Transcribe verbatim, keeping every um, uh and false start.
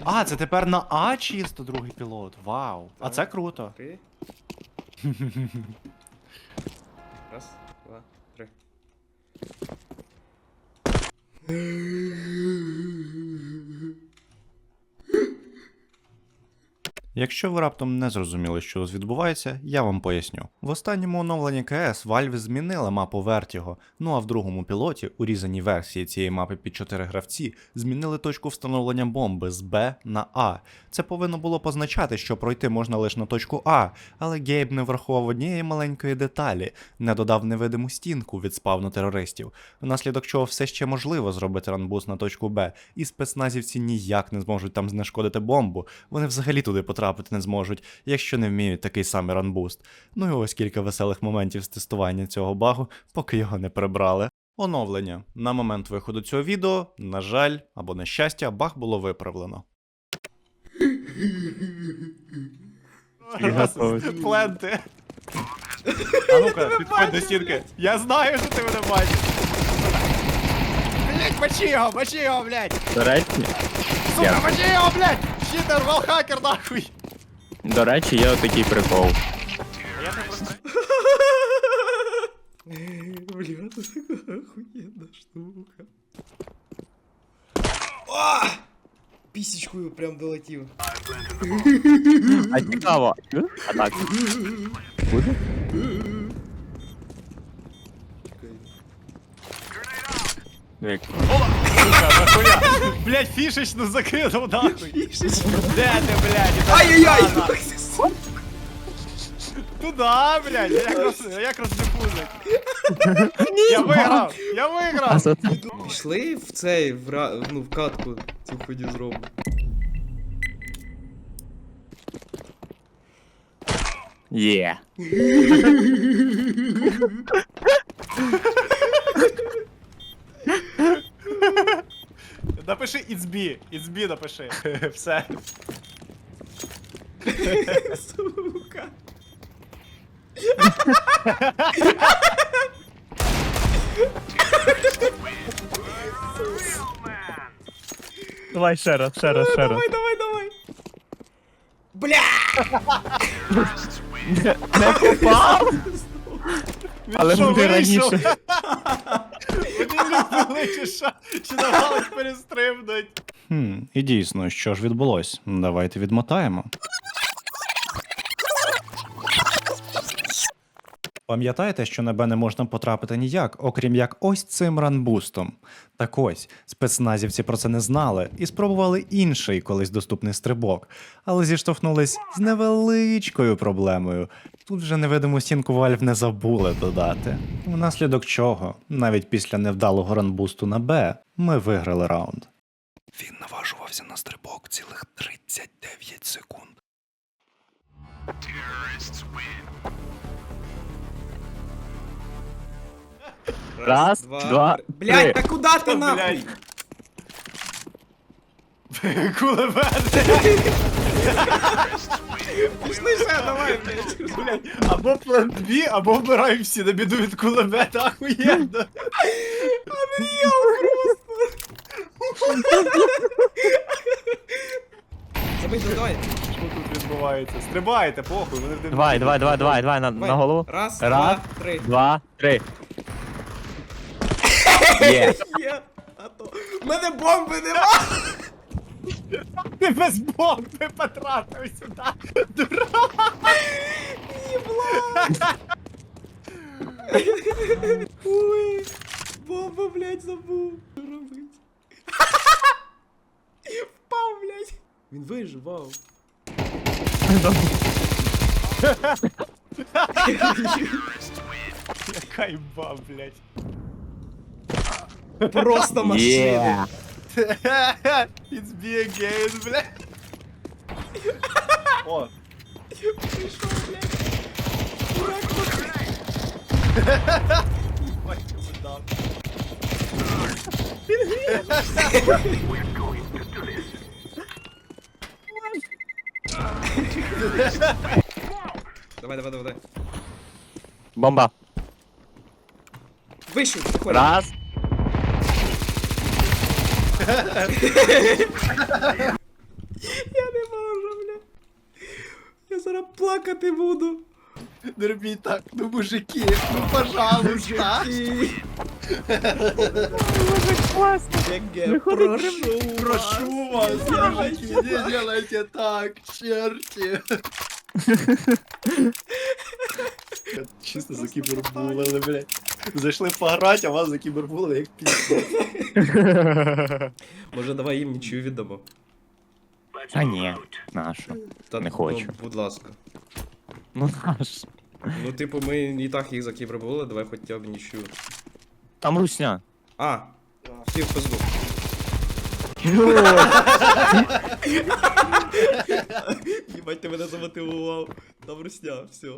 А, це тепер на А чисто другий пілот. Вау. А це круто. Три. Раз, два, три. Якщо ви раптом не зрозуміли, що тут відбувається, я вам поясню. В останньому оновленні КС Valve змінила мапу Vertigo, ну а в другому пілоті, урізаній версії цієї мапи під чотири гравці, змінили точку встановлення бомби з Б на А. Це повинно було позначати, що пройти можна лише на точку А, але Гейб не врахував однієї маленької деталі, не додав невидиму стінку від спавну терористів, внаслідок чого все ще можливо зробити ранбуст на точку Б, і спецназівці ніяк не зможуть там знешкодити бомбу, вони взагалі туди потрапити не зможуть, якщо не вміють такий самий ранбуст. Ну і ось кілька веселих моментів з тестування цього багу, поки його не прибрали. Оновлення. На момент виходу цього відео, на жаль, або на щастя, баг було виправлено. Пленти. А ну-ка, підходь до стінки. Я знаю, що ти мене бачиш. Блять, мочи його, мочи його, блять. До речі, Сука, мочи його, блять. Щитер, валхакер, нахуй. до речі, є отакий прикол. Я не просто... Бля, це така охуєнна штука. О! Пісічкою прям долетів. А цікаво. А так. Буде? Як? Сука, нахуя? Блять, фішечну закинув, нахуй. Де ти, блять? Ай-яй-яй! Туда, блядь, як роз... як роздифузить. Я виграв, я А виграв. за це? Пішли в цей, в, ра... ну, в катку цю ході зробимо. Є. Напиши It's B, It's B напиши. Все. Сука. Давай ще раз, ще раз, ще раз. Давай, давай, давай. Бля! Не попав! Але що, буде вийшов? раніше. Вони любили, чи що? Чи намагались перестрибнуть? Хм, і дійсно, що ж відбулось? Давайте відмотаємо. Пам'ятаєте, що на Б не можна потрапити ніяк, окрім як ось цим ранбустом? Так ось, спецназівці про це не знали і спробували інший колись доступний стрибок, але зіштовхнулись з невеличкою проблемою. Тут вже невидиму стінку Valve не забули додати. Внаслідок чого, навіть після невдалого ранбусту на Б, ми виграли раунд. Він наважувався на стрибок цілих тридцять дев'ять секунд. Раз, два, три. Блядь, три. та куди ти нахуй? Кулемет! Пішли ще, давай, блядь. Блядь, або план дві, або вбираємо всі на біду від кулемета, ахуєнно. Забий, давай. Що тут відбувається? Стрибайте, похуй, вони в Давай, давай, давай, давай, давай, на, Давай. на голову. Раз, Раз, два, три. Два, три. Є. Є, а то. В мене бомби нема! Ти без бомби потрапив сюди, дурак! Ой, бомба, блядь, забув. Що робить? Впав, блядь. Він виживав. Яка імба, блядь. Просто машина. Є. It's me again, блядь. О, Прийшов, блядь. Дурак, бать, чому дав. Давай, давай, давай. Бомба. Вийшов, заходь. Раз. зараз плакати буду. Не робіть так, ну мужики, ну пожалуйста. ГГ, прошу Прошу вас, мужики, не делайте так, черти. Чисто за кібербулили, блядь. Зайшли пограти, а вас за кібербулили, як пізно. Може, давай їм нічию віддамо. А ні, нащо? Та, Не хочу. Ну, будь ласка. Ну нащо? Ну, типу, ми і так їх закібербули, давай хоча б нічию. Там русня. А, всі в пизду. Їбать, ти мене замотивував. Там русня, все.